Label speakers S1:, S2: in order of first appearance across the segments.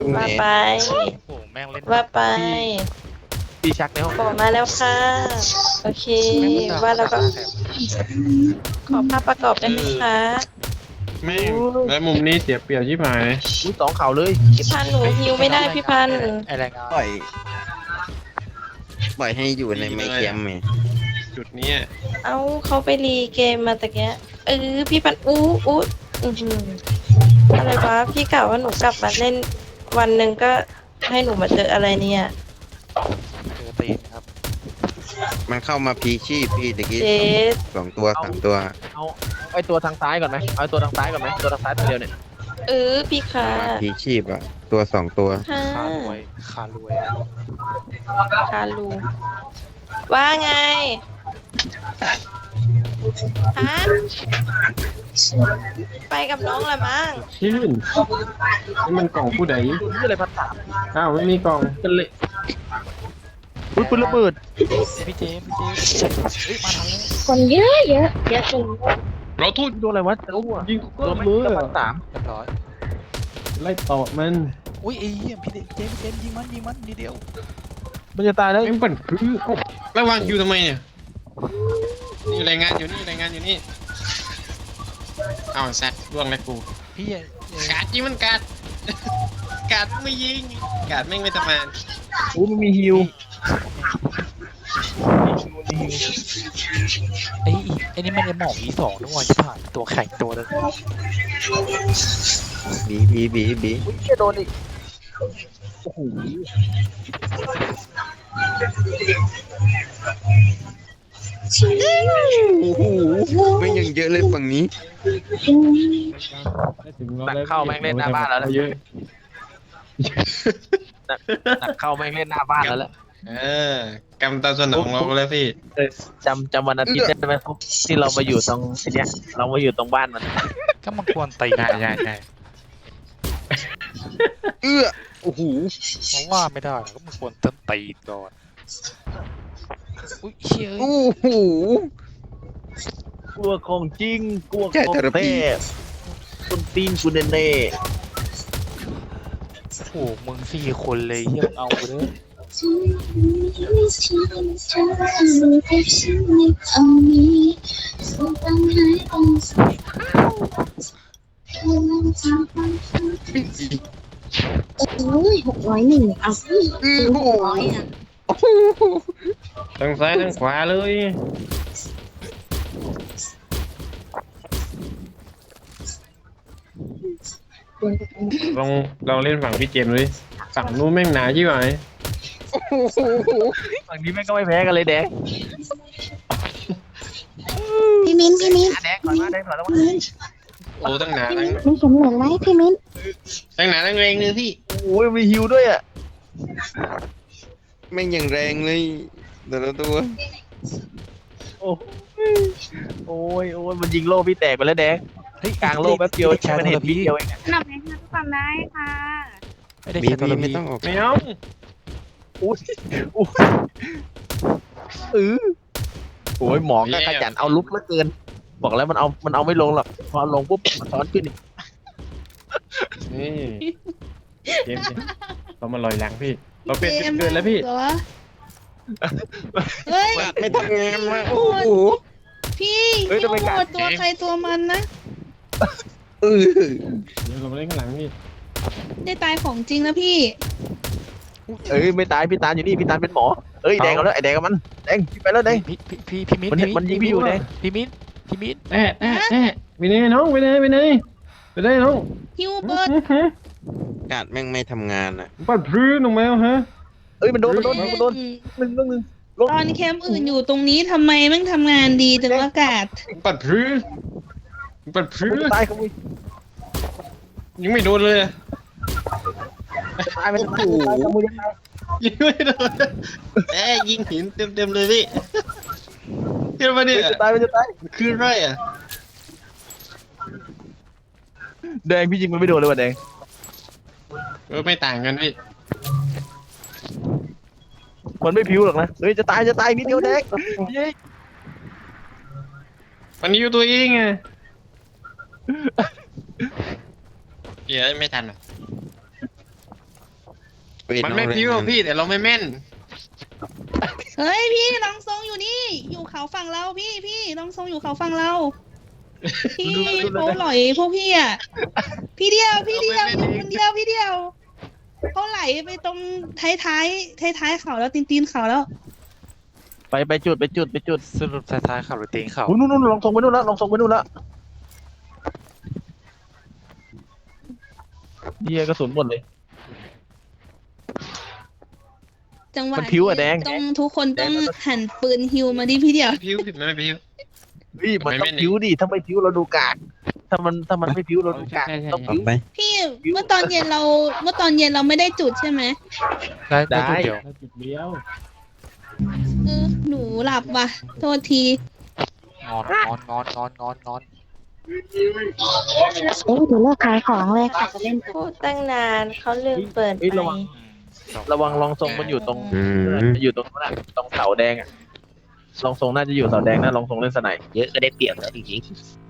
S1: ว่าไป
S2: โอ้โหแม่งเล่น
S1: ว่าไป
S3: พี่ชักในห้อง
S1: บอกมาแล้วค่ะ โอเค
S2: แม่งด่
S1: ว่าแล้วก็
S2: ด่แถม
S1: ขอภาพประกอบได้ไหมคะ
S4: แม่งแล้วมุมนี้เสียเปรียบชิบหาย
S3: อุ้ยสองเข่าเลย
S1: พี่พันธุ์หนูฮิวไม่ได้พี่พันธุ์
S2: ไอแรงงาน
S5: ปล่อยให้อยู่ในไมค์แคมป์ไง
S4: จุดเนี้ย
S1: เอ้าเขาไปรีเกมมาตะเกียพี่พันธุ์อู้อือหืออะไรวะพี่กล่าวว่าหนูกลับมาเล่นวันหนึ่งก็ให้หนูมาเจออะไรเนี่ย
S2: เจอตีนครับ
S5: มันเข้ามาพีชีพพี่ตะกี้
S1: เจส
S5: 2 ตัว 3 ตัว
S3: เอาไอตัวทางซ้ายก่อนไหมเอาตัวทางซ้ายก่อนไหมตัวทางซ้ายตัวเดียวเนี่ย
S1: พี่ค่ะ
S5: พีชีพอะตัว 2 ตัว
S1: ค่ะ
S2: คารวยคารวย
S1: คารูว่าไงฮะไปกับน้องละมั้ง
S4: ชื่นนี่มันกล่องผู้ใด
S3: ตัวนี้อะไรพันสาม
S4: อ้าวไม่มีกล่อง
S3: กันเลยอุ้ยปืนระเบิด
S2: พี่เจมส์เฮ้ยมาทันแล้ว
S6: คนเยอะเยอะเยอะจน
S4: เราทูด
S3: โดนอะไรวะโอ้โห
S4: ยิง
S3: โด
S4: ก็
S3: น
S4: มือ
S3: พันสาม
S2: เรียบร้อย
S4: ไล่ต่อมัน
S2: อุ้ยไอ้เหี้ยพี่เจมส์ยิงมันนิดเดียว
S3: มันจะตายแล้ว
S4: แม่งปั่นพื้นแล้ววางคิวทำไมเนี่ยนี่รายงานอยู่นี่รายงานอยู่นี่เอาแซดล่วงแล้วกู
S2: พี่
S4: กาดยิงมันกาด กาดไม่ยิงกาดแม่งไม่ทำงาน
S3: อู้มันมีฮิว
S2: ไอ้นี่มันไอ้หมอกE2ด้วยว่าจะผ่านตัวแข็งตัวนึง
S5: บี
S3: อุ้ยจะโดนอีกโอ้โห
S5: โอ้โหไม่งยังเยอะเลยฝั่งนี้
S3: หนักเข้าแม่งเล่นหน้าบ้านแล้วแหละ
S4: เยอะ
S3: หนักเข้าแม่งเล่นหน้าบ้านแล้วแหละ
S4: กำตามสนองเราแล้วพี่
S3: จำวันอาทิตย์ได้ไหมที่เรามาอยู่ตรงทีเนี้ยเรามาอยู่ตรงบ้านมัน
S2: ก็มันควรตีใช่
S5: เอื้อโอ้โห
S2: เพราะว่าไม่ได้ก็มันควรต้นตีก่อนอุ้ยเชี่ย
S5: โอ้โห
S3: กลัวของจริงกลัว
S5: ใช่
S3: ของ
S5: เทอราพี
S3: แท้คนตีนกูเน่
S2: โอ้โหมึง4 คนเลยเฮียเอาไปเลย
S6: โอ้ย601เอาสิ
S5: อื้อโอ้โห
S6: 600อ่ะ
S4: ทั้งซ้ายทั้งขวาเลย ลองเล่นฝั่งพี่เจมส์ดูดิฝั่งนู้นแม่งหนาชิบหาย
S3: ๆฝั่งนี้แม่งก็ไม่แพ้กันเลยแดง
S6: พี่มิ้น
S3: แดงก่อนมาแดงก่อนแล้วมา
S4: โอ้ตั้งหนา
S6: พี่
S4: ทั้
S6: มิ้
S4: ง
S6: นมีเข็มเหลืองไหมพี่มิ้น
S4: ตั้งหนาทั้งแรงเลยพี่
S3: โอ้ยมีฮิวด้วยอ่ะ
S5: แม่งยังแรงเลยแต่ละตัว
S3: โอ้โอ้ยโอ้ยมันยิงโล่พี่แตกไปแล้วแดง
S2: เฮ้ย
S3: กลางโล่แป๊บเดียวใช่ไหมเห็นพี่เดียวเอง
S6: นำให้ทุกคนได้ค่ะ
S2: ไม่ได้
S5: บี
S2: แค่ตัวละ
S5: ไม่
S2: พี่
S5: ต้องออก
S4: ไม่เอา
S3: อุ้ยอุ้ยโอ้ยหมอก็ขยันเอาลุกเหลือเกิน บอกแล้วมันเอาไม่ลงหรอกพอลงปุ๊บมันซ้อนขึ้นอีก
S4: นี่เจมส์เรามาลอยหลังพี่เราเป็นจุดเกินแล้วพี่
S6: เหรอเฮ้ย
S5: ไม่ทำงานมาโอ้โห
S6: พี่
S3: เฮ้ยทำไม
S6: โห
S3: การ
S6: ดตัวใครตัวมันนะ
S5: เออ
S4: เดี๋ยวเรามาเล่นข้างหลังพี่
S6: ได้ตายของจริงนะพี่
S3: เอ้ยไม่ตายพี่ตาลอยู่นี่พี่ตาลเป็นหมอเอ้ยแดงเอาแล้วไอ้แดงกับมันแดงพี่ไปแล้วแดง
S2: พี่มิ้น
S3: มันยิงพี่อยู่แดง
S2: พี่มิ้น
S4: แอะไปไหนน้องไปไหนไปไหนน้อง
S6: ฮิวเบิร์ด
S5: กาดแม่งไม่ทำงานอ่ะ
S4: ปัดพื้นลงมาฮะ
S3: เอ้ยมันโดนหนึ่งลง
S6: ตอนแคมป์อื่นอยู่ตรงนี้ทำไมแม่งทำงานดีจังวะกาศ
S4: ปัดพื้นปัดพื้น
S3: ตายขโมย
S4: ยังไม่โดนเลย
S3: ตายมันตายขโมย
S4: ยิงไม่โดนยิงหินเต็มเลยพี่เห็นปะเนี่ย
S3: จะตายมันจะตาย
S4: คือไรอ่ะ
S3: แดงพี่ยิงมันไม่โดนเลยว่ะแดง
S4: ไม่ต่างกันพี่
S3: มันไม่ผิวหรอกนะเฮ้ยจะตายนิดเดียวแดง
S4: มันอยู่ตัวเองไงเดี๋ยวไม่ทันอ่ะ
S7: มันไม่พิ้วพี่แต่เราไม่แม่น
S6: เฮ้ยพี่ลองทรงอยู่นี่ อยู่เขาฝั่งเราพี่ลองทรงอยู่เขาฝั่งเรา พี่เขาหลอยพวกพี่อ่ะ พี่เดียวอยู่คนเดียวพี่เดียวเขาไหลไปตรงท้ายเขาแล้วตีนเขาแล้ว
S3: ไปจุด
S2: สรุปท้ายๆขับหรือตีนเขา
S3: อุ้ยนู่นลองทรงไปนู่นแล้วเฮียกระสุนหมดเลย
S6: จังหวะ
S3: มันผิวอะแดง
S6: ต้องทุกคนต้องหันปืนฮิวมาดิพี่เดียว
S7: พิ้วผิดไม่พิ้ว
S3: นี่มันต้องผิวดิถ้าไม่ผิวเราดูกากถ้ามันไม่ผิวเราดูกากต้อง
S5: ออ
S3: ผิ
S5: ก
S3: ว
S5: ไป
S6: พี่เมื่อตอนเย็นเราไม่ได้จุดใช่ไหม
S2: ได้
S3: ได้
S2: จุดเดียว
S4: แล้วจุดเดียว
S6: หนูหลับว่ะโทษที
S2: นอน
S8: เอ๊ะเดี๋ยวเลิกขายของเลยค่ะจะเล่น
S1: พูดตั้งนานเขาลืมเปิด
S3: เฮ้ย
S1: ไม
S3: ระวัง
S1: ค์
S3: ลองทรงมันอยู่ตรง
S5: อืม
S3: อยู่ตรงนั้นอะตรงเสาแดงอะลองทรงน่าจะอยู่เสาแดงนะลองทรงเล่นสไนด์
S9: เยอะก็ได้เปรียบแล้วจริง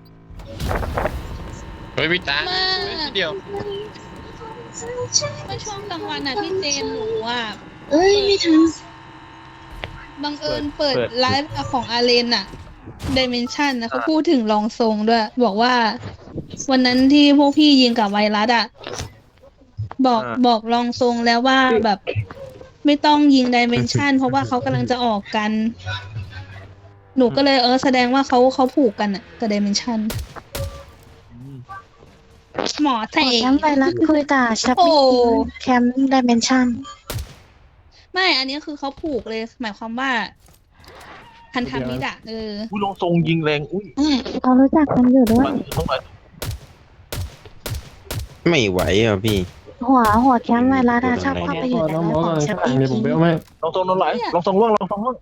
S7: เฮ้ยพี่ตาทีเดียว
S6: เมื่อช่วงกลางวันอ่ะพี่เจนหนูอ่ะ
S8: เอ้ยไม่ทัน
S6: บังเอิญเปิดไลฟ์ของอาเลนอ่ะ Dimension นะเขาพูดถึงรองทรงด้วย บอกว่า วันนั้นที่พวกพี่ยิงกับไวรัสอ่ะ บอกรองทรงแล้วว่าแบบ ไม่ต้องยิง Dimension เพราะว่าเขากำลังจะออกกัน หนูก็เลยแสดงว่าเขาผูกกันอ่ะกับ Dimension หมอแส
S8: แค
S6: ง
S8: มป์ไวรัสคุยกับชับ
S6: โอ้
S8: บี้แคมป์ดิเมนชัน
S6: ไม่ อันนี้คือเขาผูกเลย หมายความว่าพันธมิตรอะ
S3: อุ้ยลองทรงยิงแรงอุ้ย
S8: เขารู้จักกันอยู่ด้วย
S3: ต้องหน่อย
S5: ไม่ไหวอ่ะพี่
S8: หัวแคมป์ไวรัสอะชอบเข้าไปอยู่ใน
S4: น้อง
S8: ไล
S4: หมอ
S8: ฟ์ข
S4: กำ
S8: อง
S4: ลัง
S8: ชับ
S4: สั่ง
S8: บี้
S4: เนี่ยผมไปเอาไหม
S3: ลองทรงนอนไหลลองทรงล่วง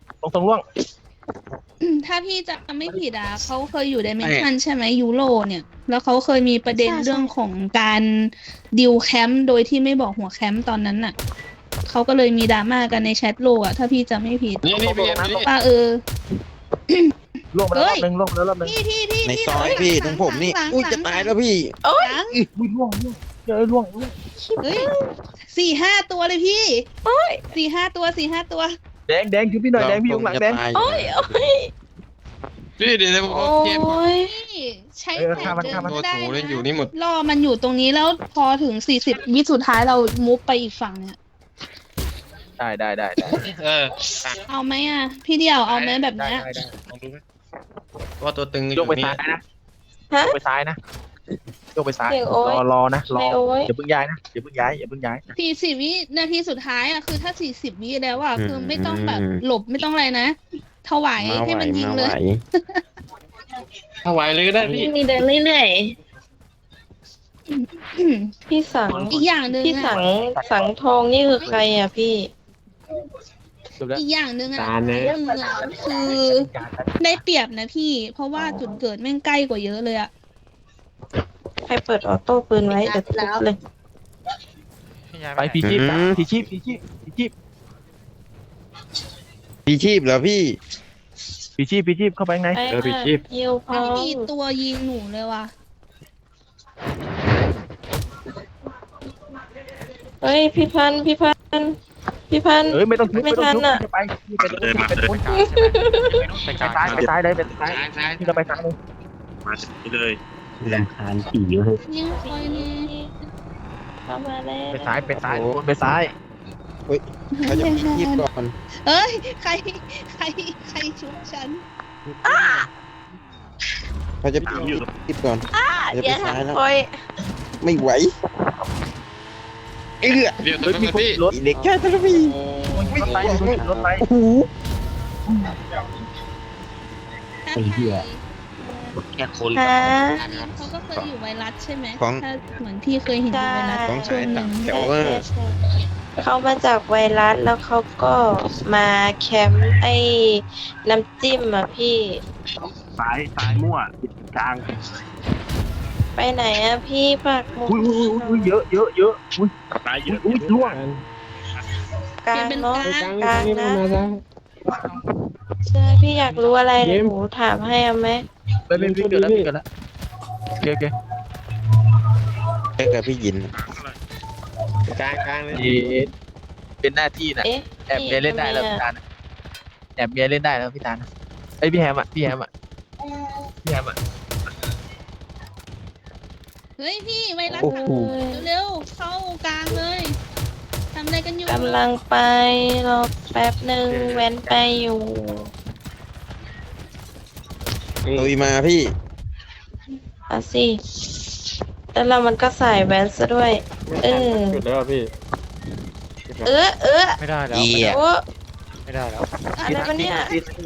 S6: ถ้าพี่จะไม่ผิดอ่ะเขาเคยอยู่ในเมชันใช่ไหมยูโรเนี่ย แล้วเขาเคยมีประเด็นเรื่องของการดิวแคมป์โดยที่ไม่บอกหัวแคมป์ตอนนั้นน่ะเขาก็เลยมีดราม่ากันในแชทโลกอ่ะถ้าพี่จะไม่ผิด
S7: นี่พี่เอ็มนี่
S6: ว่า
S3: ล่วงมาแล้วรอบนึง
S6: พี่
S5: ในซอยพี่ตรงผมนี่
S6: หลัง
S5: อุ้ยจะตายแล้วพี่
S6: หลัง
S3: อุ้ยล่วงเจอล่วง
S6: เฮ้ย4-5 ตัวเลยพี่4-5 ตัว
S3: แดงคือพี่หน่อยแดงพี่อยู่หลังแดง
S1: โอ้ย
S7: พี่เดี๋ยวผม
S1: โอ้
S7: เกม
S1: ย
S6: พี่ใช้
S3: เออ
S6: แผ
S3: ฆ่าน มัน
S6: เดิ
S3: ฆ่ามัน
S6: นได้
S7: โอ้โหเล่นอยู่
S6: นะ
S7: นี่หมด
S6: รอมันอยู่ตรงนี้แล้วพอถึง40 วิสุดท้ายเรามุฟไปอีกฝั่งเนี่ย
S3: ได้
S6: เอาไหมอ่ะ พี่เดียวเอาไหมแบบเนี้ย
S7: ลองดูไหมว่าตัวตึงอ
S3: โย
S7: ยู่
S3: กไป
S7: นี่
S3: ซ้ายนะ
S1: ฮะ
S3: โยกไปซ้ายนะรอนะรอ
S1: ไม่โอ้ย
S3: อย่าเพิ่งย้ายนะอย่าเพิ่งย้าย
S6: 40 วินาทีสุดท้ายอ่ะคือถ้า40 วิแล้วอ่ะคือไม่ต้องแบบหลบไม่ต้องอะไรนะถวาย
S5: มาไหว
S6: ให้มันยิง
S5: มา
S6: เล
S5: ไหวย
S7: ถ้าไหวเลยก็ได้พี่
S1: มีเดินเรื่อยๆพี่สัง
S6: อีกอย่างหนึ่ง
S1: พี่สั
S6: อ่ะ
S1: งสังทองนี่คือใครอ่ะพี่
S6: อีกอย่างหนึ่งอ่ะ
S4: ตาลนะ
S6: เรื่องเงินคือได้เปรียบนะพี่ เพราะว่าจุดเกิดแม่งใกล้กว่าเยอะเลยอ่ะ
S1: ใครเปิดออโต้ปืนไว้เดี๋ยวทุบเลย
S3: ไปพีชีพ
S5: พี่ชีพเหรอพี่
S3: เข้าไปไง
S1: ไปค่ะยิวพร้อ
S6: ไม่มี
S1: ม
S6: ตัวยิงหนูเลยว่ะ
S1: เฮ้ยพี่พันธุ์
S3: เอ้ยไม่ต้องทุบ
S1: ไม่ทันอะ
S3: ไปซ้ายเลยไปซ้าย
S7: ซ้าย
S3: พี่ก็ไปซ้ายเลย
S9: ๆลำคาญผีเว้ย
S6: ยิงคอยนี่
S1: เข้ามาแล้ว
S3: ไปซ้ายไปซ้าย
S5: เขาจะชีพก่อน
S6: เอ้ยใครชุบฉัน
S5: เขาจะชีพก่อนจะ
S1: เดี๋
S5: ไป
S1: ยว
S5: ซ้ายแล้ว
S1: ทำคอย
S5: ไม่ไหวเอื้อ
S7: เดี๋ยว
S3: เฮ้ย
S7: ตัว
S3: มี
S7: นึง
S3: คน
S7: พี่
S3: รถ
S5: อีเด็กแค่ทะลุพี่
S3: รถไป
S5: โอ้โห
S6: ถ้าใคร
S9: แค่คน
S1: ฮะ
S6: เขาก็เคยอยู่ไวรัสใช่ไหม
S5: ของ
S6: ถ้าเหมือนพี่เคยเห็นอยู่ไวรัส
S5: ของ
S6: ช่ว
S5: สาย
S6: งห
S5: ต่า
S6: นึ่
S5: ง
S6: ง
S5: แถวว่า
S1: เขามาจากไวรัสแล้วเขาก็มาแคมป์ไอ้น้ำจิ้มอ่ะพี่
S3: ซ้ายมั่วกลาง
S1: ไปไหนอ่ะพี่ปากหมุด
S3: อุ้ยเยอะอุ้ยตายเยอะอุ้ยล่วง
S1: กลางเนาะ
S4: ไปกลาง
S1: กลาง
S4: นี่
S1: นะ
S4: มาซ้าย
S1: ใช่พี่อยากรู้อะไร
S4: เก
S1: เดี๋ยว
S4: ม
S1: หนูถามให้เอาไหม
S3: ไปเล่นพี่เกิดแล้วโอเค
S5: แค่กับพี่ยิน
S7: กลางเลย
S3: เย็ดเป็นหน้าที่น่ะ
S1: เอ๊ะ
S3: แอบเมียเล่นได้แล้วพี่ตาลนะแอบเมียเล่นได้แล้วพี่ตาลนะเอ้ยพี่แฮมอ่ะพี่แฮมอ่ะ
S6: เฮ้ยพี่ไวรัส
S5: โอ้โห
S6: เร็วๆเข้ากลางเลยทำอะไรกันอยู่
S1: กำลังไปรอแป๊บหนึ่งแว้นไปอยู่
S5: ลุยมาพี่
S1: เอาสิแล้วเรามันก็สายแว้นซะด้วย เออ
S4: จุดแล้วพี่
S2: ไม่ได้แล้ว
S5: เหี้ย
S1: โอ้
S2: ไม่ได้แล้ว
S1: อะไรวะเนี่ย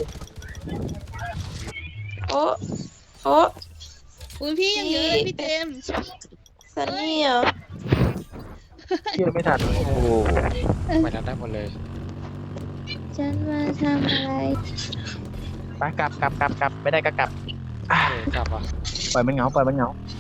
S1: โอ้โอ้
S6: อุ้ยพี่ยังเยอะเลยพี่เจมส์
S1: สันนี่เหรอ
S3: พี่ไม่ทันโอ้โห
S2: ไปนั้นได้หมดเลย
S8: ฉันมาทำอะไร
S3: ไปกลับไม่ได้ก็กลับ
S2: กลับว่ะ
S3: ปล่อยมันเหงา
S2: กลับ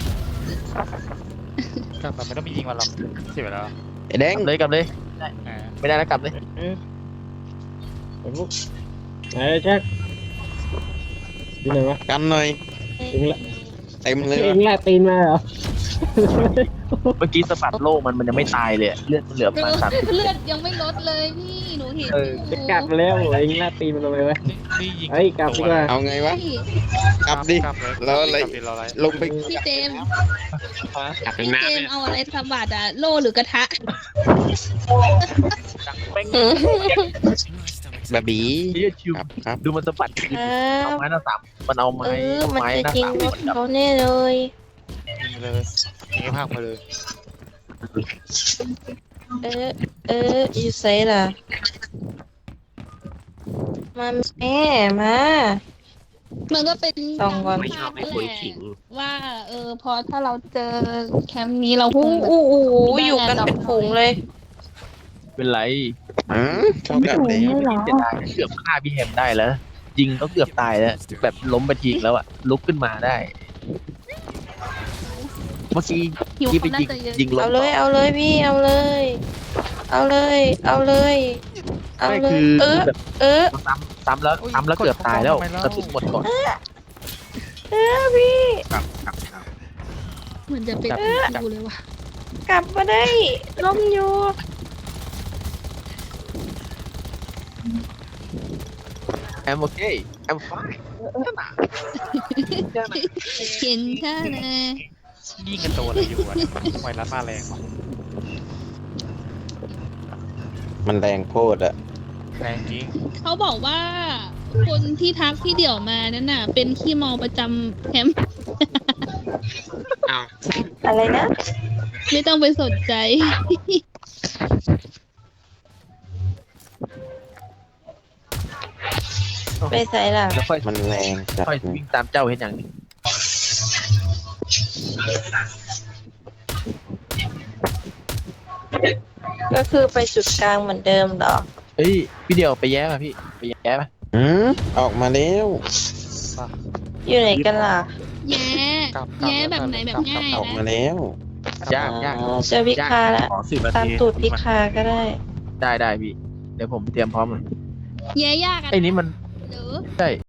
S2: แบบไม่ต้องมียิงมันหรอกเสียเวลา
S5: ไอ้แดง
S3: กลับเลย
S2: อ่า
S3: ไม่ได้แล้วกลับเลย
S4: ไอ้พวกไอ้แจ็คที่ไหนวะ
S5: กันหน่อย
S4: เองละ
S5: เต็มเลย
S4: เอ
S5: วะ
S4: งละตีนมาเหรอ
S3: เมื่อกี้สะบัดโลกมันยังไม่ตายเลยเลือดมันเหลือประมาณสาม
S6: เลือดยังไม่ลดเลยพี่หนูเห็นอยู่
S4: จะกลับแล้วเองละตีนมันทำไมวะ
S2: นี่ยิง
S4: เฮ้ยกลับดีกว่า
S5: เอาไงวะ
S6: พี่
S5: กลับดิ
S2: กลับเลย
S5: แล้วอะไร
S2: กลับดิเราอะไร
S5: ลงไป
S6: พี่เจมส์
S7: กลับเป็น
S6: พี่
S7: น้ำ
S6: เจ
S7: เนี่
S6: ม
S7: ย
S6: ส์เอาอะไรสะบัดอะโล่หรือกระทะ
S5: แบบบี
S3: เฮียชิว
S5: ครับ
S3: ดูมันสะบัด
S1: ครั
S3: เอา
S1: บ
S3: ไม้หน้าสามมันเอา
S1: เอ
S3: ไม้
S1: อ มัน
S3: ไม้
S1: จะ
S3: หน้า
S1: ยิง
S3: สาม
S1: รถเขาแน่เลย
S2: ยิงเลยยิงให้พังไปเลย
S1: อยู่ไสล่ะ มาแม่มา
S6: มันก็เป็น
S1: ส่องก่อน
S6: ไม่ชอบไม่คุยขิงว่าพอถ้าเราเจอแคมป์นี้เราค
S1: อู้
S6: งแบบ
S1: อู้อู้อยู่กันเป็นฝูงเลย
S3: เป็นไร
S5: เข้ากันเลย
S8: ไม่หรอ
S3: เสียดายเกือบฆ่าพี่แฮมได้แล้วยิงก็เกือบตายแล้วแบบล้มไปทีแล้วอะลุกขึ้นมาได้ เมื่อกี้
S6: หิว
S3: ที่ไป
S6: เขาน่า
S3: ยิง
S6: จะเยอะ
S3: ยิงลง
S1: เอาเลย เอาเลยพี่ เอาเลย เอาเลย เอาเลย เอา
S3: ไม่
S1: เล
S3: คื
S1: ย
S3: อแบบ ซ้ำแล้ว
S2: โอ้ย
S3: ซ้ำแล้วเกือบตายแล้ว
S2: กดเข้าไปแล้ว
S3: กระสุนหมดก่อน
S1: พี่
S3: ครับ
S6: เหมือนจะเป็นดูเลยว่ะ
S1: กลับมาได้ล้มอยู่
S3: I'm okay I'm fine
S6: เห็นแค่นะ
S2: ยิงกันตัวอะไรอยู่อ่ะไวรัสมาแรงว่ะ
S5: มันแรงโคตรอะ
S2: แรงจริง
S6: เขาบอกว่า คนที่ทักพี่เดี่ยวมานั่นน่ะ เป็นขี้เมาประจำแคมป์
S7: อ้าว
S1: อะไรนะ
S6: ไม่ต้องไปสนใจ
S1: ไปใส่ล่ะ
S3: แล้วค่อย
S5: มันแรงจัด
S3: ค่อยวิ่งตามเจ้าเห็นอย่างนี้
S1: ก็คือไปจุดกลางเหมือนเดิมเหรอ
S3: เฮ้ยพี่เดียวไปแย้ป่ะพี่ไปแย้ป่ะ
S5: ออกมาแล้ว
S1: อยู่ไหนกันล่ะ
S6: แย่
S2: กลับ
S6: แย่แบบไหนแบบง่าย
S5: ออกมา
S6: นะ
S5: แล้ว
S3: ยาก
S1: อ๋อเจอพิคาแล้ว
S9: ขอ10 นา
S1: ตาม
S9: ที
S1: ตูดพิคาก็ได้
S3: ได้พี่ เดี๋ยวผมเตรียมพร้อมเลย
S6: แย่ยากอะ
S3: ไอ้นี้มัน
S6: หรือ
S3: ใช่